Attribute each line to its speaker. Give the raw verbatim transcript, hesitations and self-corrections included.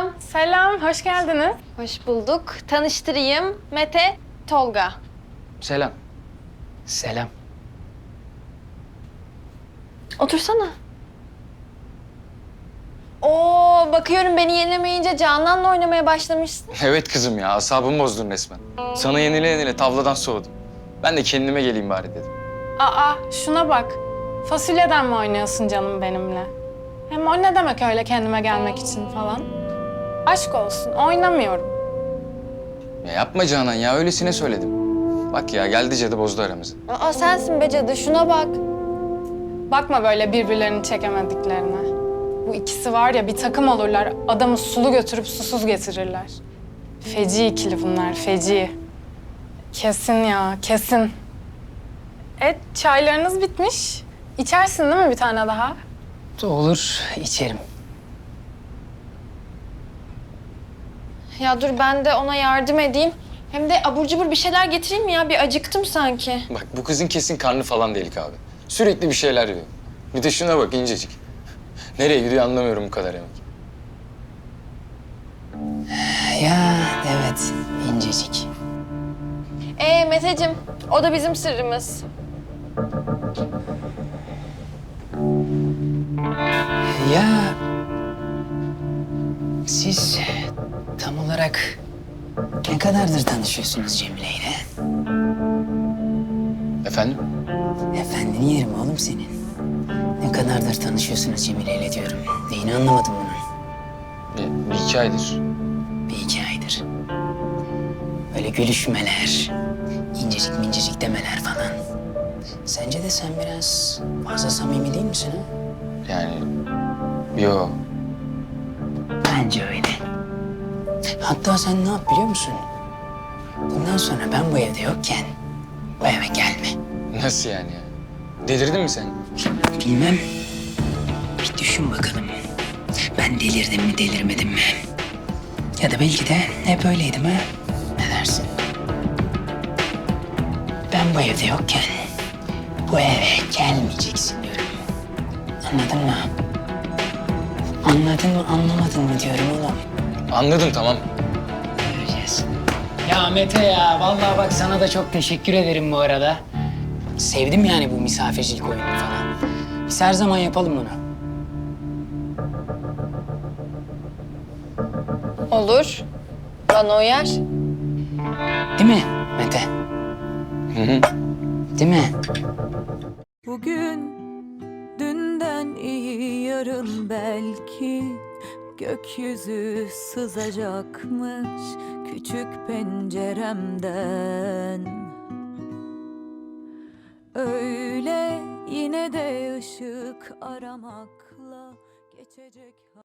Speaker 1: Selam.
Speaker 2: Selam, hoş geldiniz.
Speaker 1: Hoş bulduk. Tanıştırayım. Mete, Tolga.
Speaker 3: Selam. Selam.
Speaker 1: Otursana. Oo, bakıyorum beni yenemeyince Canan'la oynamaya başlamışsın.
Speaker 3: Evet kızım ya, asabımı bozdun resmen. Sana yenile yenile tavladan soğudum. Ben de kendime geleyim bari dedim.
Speaker 2: Aa, şuna bak. Fasulyeden mi oynuyorsun canım benimle? Hem o ne demek öyle kendime gelmek için falan? Aşk olsun, oynamıyorum.
Speaker 3: Ya yapma Canan ya, öylesine söyledim. Bak ya, geldi cadı bozdu aramızı.
Speaker 1: Aa, sensin be cadı, şuna bak.
Speaker 2: Bakma böyle birbirlerini çekemediklerine. Bu ikisi var ya bir takım olurlar, adamı sulu götürüp susuz getirirler. Feci ikili bunlar, feci. Kesin ya, kesin. E, çaylarınız bitmiş. İçersin değil mi bir tane daha?
Speaker 4: Olur, içerim.
Speaker 1: Ya dur ben de ona yardım edeyim. Hem de abur cubur bir şeyler getireyim mi ya? Bir acıktım sanki.
Speaker 3: Bak bu kızın kesin karnı falan delik abi. Sürekli bir şeyler yiyor. Bir de şuna bak, incecik. Nereye gidiyor anlamıyorum bu kadar yemek.
Speaker 4: Ya evet, incecik.
Speaker 1: Ee Meteciğim, o da bizim sırrımız.
Speaker 4: Ya siz tam olarak ne kadardır tanışıyorsunuz Cemile ile?
Speaker 3: Efendim?
Speaker 4: Efendini yerim oğlum senin. Ne kadardır tanışıyorsunuz Cemile ile diyorum. Neyini anlamadım bunun.
Speaker 3: Bir, bir iki aydır.
Speaker 4: Bir iki aydır. Öyle gülüşmeler, incecik mincecik demeler falan. Sence de sen biraz fazla samimi değil misin ha?
Speaker 3: Yani yo.
Speaker 4: Bence öyle. Hatta sen ne yap biliyor musun? Bundan sonra ben bu evde yokken bu eve gelme.
Speaker 3: Nasıl yani ya? Delirdin mi sen?
Speaker 4: Bilmem. Bir düşün bakalım. Ben delirdim mi delirmedim mi? Ya da belki de hep öyleydim ha? Ne dersin? Ben bu evde yokken bu eve gelmeyeceksin diyorum. Anladın mı? Anladın mı anlamadın mı diyorum oğlum.
Speaker 3: Anladım, tamam.
Speaker 4: Göreceğiz. Ya Mete ya, vallahi bak sana da çok teşekkür ederim bu arada. Sevdim yani bu misafircilik oyununu falan. Biz her zaman yapalım bunu.
Speaker 1: Olur. Bana uyar.
Speaker 4: Değil mi Mete?
Speaker 3: Hı hı.
Speaker 4: Değil mi?
Speaker 5: Bugün dünden iyi yarın belki gökyüzü sızacakmış küçük penceremden. Öyle yine de ışık aramakla geçecek.